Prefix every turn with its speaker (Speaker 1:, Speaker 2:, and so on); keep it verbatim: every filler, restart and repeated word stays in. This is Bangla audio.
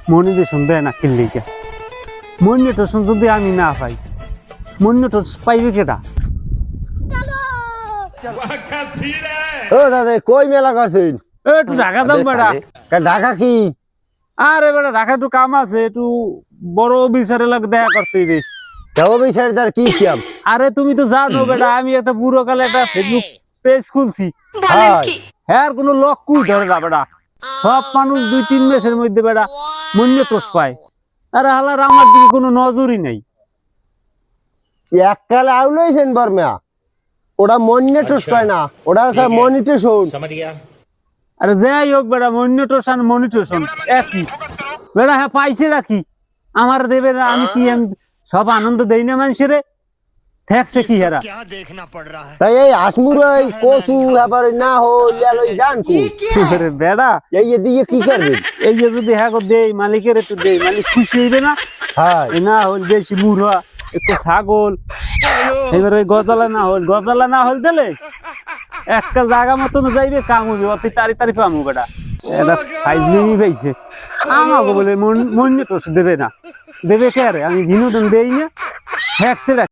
Speaker 1: মনিটেশন দেয় না কিনলে কে মনিটেশন যদি আমি না পাই মনিটেশন পাইবে কেটা
Speaker 2: ও দাদা কই মেলা করছেন
Speaker 1: একটু ঢাকা দাম বেটা
Speaker 2: ঢাকা কি
Speaker 1: আরে বেটা ঢাকা একটু কাম আছে একটু বড় অফিসারের লাগে দেখা করতে দিস
Speaker 2: যাবো বিচার তার কি কাম
Speaker 1: আরে তুমি তো জানো বেটা আমি একটা বুড়ো কালে একটা ফেসবুক পেজ খুলছি
Speaker 2: হাই
Speaker 1: হ্যাঁ কোনো লক্ষ্যই ধরে না বেটা সব মানুষ দুই তিন মাসের মধ্যে বেটা মন্য তোষ পায় আরে হালার আমার দিকে কোনো নজরই নেই
Speaker 2: এককালে আউলাইছেন বর্মা ওটা মনিটর কয় না ওটা মনিটেশন
Speaker 1: আরে যাই হোক বেটা মনিটেশন মনিটেশন একই বেটা হ্যাঁ পাইছে রাখি আমার দেবে না আমি কি আমি সব আনন্দ দেই না মানুষের ঠেকছে কি হেরা
Speaker 2: তাই এই আসমুর ওই কচু আবার না হল জান কি
Speaker 1: আরে বেটা
Speaker 2: এই এদিকে কি করবে
Speaker 1: এই যে যদি হ্যাঁ গো দেই মালিকের একটু দেই মালিক খুশি হইবে না
Speaker 2: হ্যাঁ
Speaker 1: এই না হল বেশি মুড়া একটু ছাগল এবার ওই গজালা না হল গজালা না হল দিলে একটা জায়গা মতন যাইবে কাম হইবে অতি তারি তারি পামু বেটা এটা ফাইজলিমি পাইছে আমাকে বলে মন মন তো দেবে না দেবে কে রে আমি বিনোদন দেই না হ্যাঁ